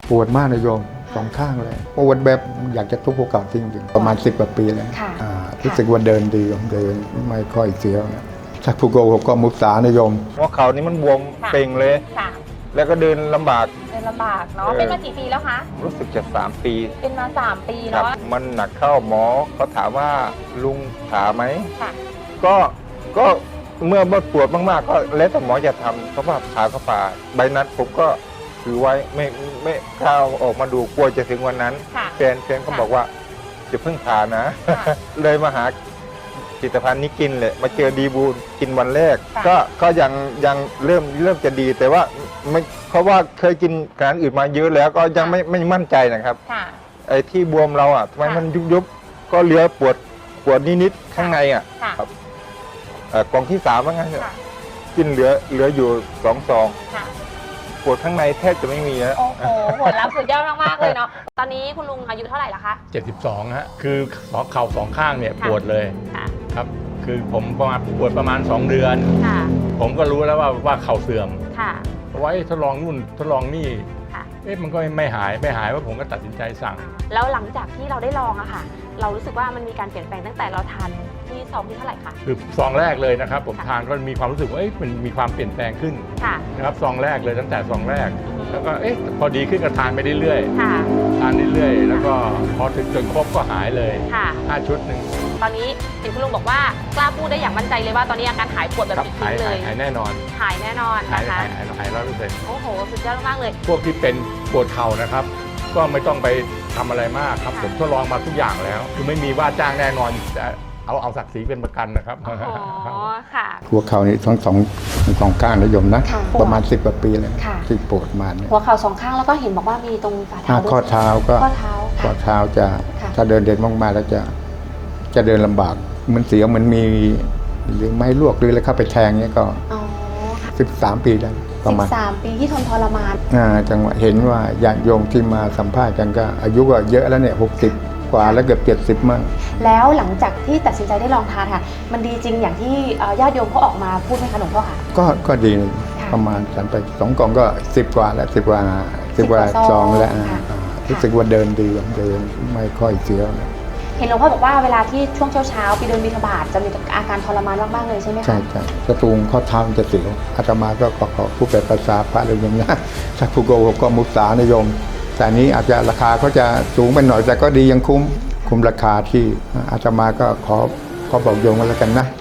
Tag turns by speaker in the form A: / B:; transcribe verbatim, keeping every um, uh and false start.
A: ปวดมากนะโยมสองข้างเลยปวดแบบอยากจะทุบหัวเข่าจริงๆประมาณสิบกว่าปีแล้วรู้สึกว่าเดินดีเดินไม่ค่อยเสียวนะถ้าผู้โกหกก็มุสานะโยมหัวเข่านี่มันบวมเป่งเลยแล้วก็เดินลำบาก
B: เดินลำบากเนาะเป็นมากี่ปีแล้วคะ
A: รู้สึกจะสามปี
B: เป็นมาสามปีเนาะ
A: มันหนักเข้าหมอเขาถามว่าลุงขาไหมก็ก็เมื่อปวดมากๆก็แล้วแต่หมอจะทำเพราะว่าขาเขาผ่าใบนัดผมก็ถือไว้ไม่ไม่กล้าออกมาดูกลัวจะถึงวันนั้นแฟนแฟนเขาบอกว่าจะเพิ่งผ่านะเลยมาหาผลิตภัณฑ์นี้กินเลยมาเจอดีบูลกินวันแรกก็ก็ยังยังเริ่มเริ่มจะดีแต่ว่าไม่เพราะว่าเคยกินอาหารอื่นมาเยอะแล้วก็ยังไม่ไม่มั่นใจนะครับไอ้ที่บวมเราอ่ะทำไมมันยุบยุบก็เหลือปวดปวดนิดๆข้างในอ่ะครับกล่องที่สามว่างั้นกินเหลือเหลืออยู่สองซองปวดข้างในแทบจะไม่มีแล้ว
B: โอ้โหผลลัพธ์สุดยอดมากๆเลยเนาะตอนนี้คุณลุงอายุเท่าไหร่ละคะ
C: เจ็ดสิบสองฮะคือสองเข่าสองข้างเนี่ยปวดเลยครับคือผมประมาณปวดประมาณสองเดือนผมก็รู้แล้วว่าว่าเข่าเสื่อมเพราะว่าทดลองนู่นทดลองนี่เอ๊ะมันก็ไม่หายไม่หายว่าผมก็ตัดสินใจสั่ง
B: แล้วหลังจากที่เราได้ลองอะค่ะเรารู้สึกว่ามันมีการเปลี่ยนแปลงตั้งแต่เราทานที่ซองที่เท่าไหร่คะ
C: คือซองแรกเลยนะครับผมทานก็มีความรู้สึกว่าเอ๊ะมันมีความเปลี่ยนแปลงขึ้นนะครับซองแรกเลยตั้งแต่ซองแรกแล้วก็เอ๊ะพอดีขึ้นก็ทานไปเรื่อยๆทานเรื่อยๆแล้วก็พอถึงจนครบก็หายเลยห้าชุดหนึ่ง
B: ตอนนี้เห็นคุณลุงบอกว่ากล้าพูดได้อย่างมั่นใจเลยว่าตอนนี้อาการหายปวดแบบจริงๆเลย
C: หายแน่นอน
B: หายแน่นอนนะคะ
C: หายหายร้อยเปอร์เซ็นต์
B: โอ้โหสุดยอดมากเลย
C: พวกที่เป็นปวดเข่านะครับก็ไม่ต้องไปทำอะไรมากครับผมทดลองมาทุกอย่างแล้วคือไม่มีว่าจ้างแน่นอนแต่เอาเอาศักดิ์ศรีเป็นประกันนะครับ
B: อ๋อค่ะ
A: หัวเข่านี่ทั้งสองสองข้างนะโยมนะประมาณสิบกว่าปีเลยที่ปวดมาเนี่ย
B: หัวเข่าสองข้างแล้วก็เห็นบอกว่ามีตรงฝ่าเท้า
A: ข้อเท้าก็
B: ข้อเท้า
A: ข้อเท้าจะถ้าเดินเดินมากๆแล้วจะจะเดินลำบากมันเสียวมันมีหรือไม้ลวกหรืออะไรเข้าไปแทงเนี้ยก็สิบสามปีแล้วประมาณ
B: สิบสามปีที่ทนทรมาน
A: อ่าจังหวะเห็นว่าญาติโยมที่มาสัมภาษณ์กันก็อายุก็เยอะแล้วเนี่ยหกสิบกว่าแล้วเกือบเจ็ดสิบมั่ง
B: แล้วหลังจากที่ตัดสินใจได้ลองทานค่ะมันดีจริงอย่างที่ญาติโยมเขาออกมาพูดไหมคะหลวงพ่อค่ะ
A: ก็ก็ดีประมาณฉันไปสองกล่องก็สิบกว่าแล้วสิบกว่าสิบกว่าซองแล้วรู้สึกว่าเดินดีเดินไม่ค่อยเสียว
B: เห็นหลวงพ่อบอกว่าเวลาที่ช่วงเช้าๆไปเดินบิณฑบาตจะมีอาการทรมานมากๆเลยใช่ไหมคะ
A: ใช่ใช่กระตูงข้อเท้าจะเสียวอาตมาก็ขอขอผู้แปลภาษาพระเลยอย่างนี้ถ้าผู้โกหกก็มุสานิยมแต่นี้อาจจะราคาเขาจะสูงไปหน่อยแต่ก็ดียังคุ้มคุ้มราคาที่อาตมาก็ขอขอบอกโยมกันแล้วกันนะ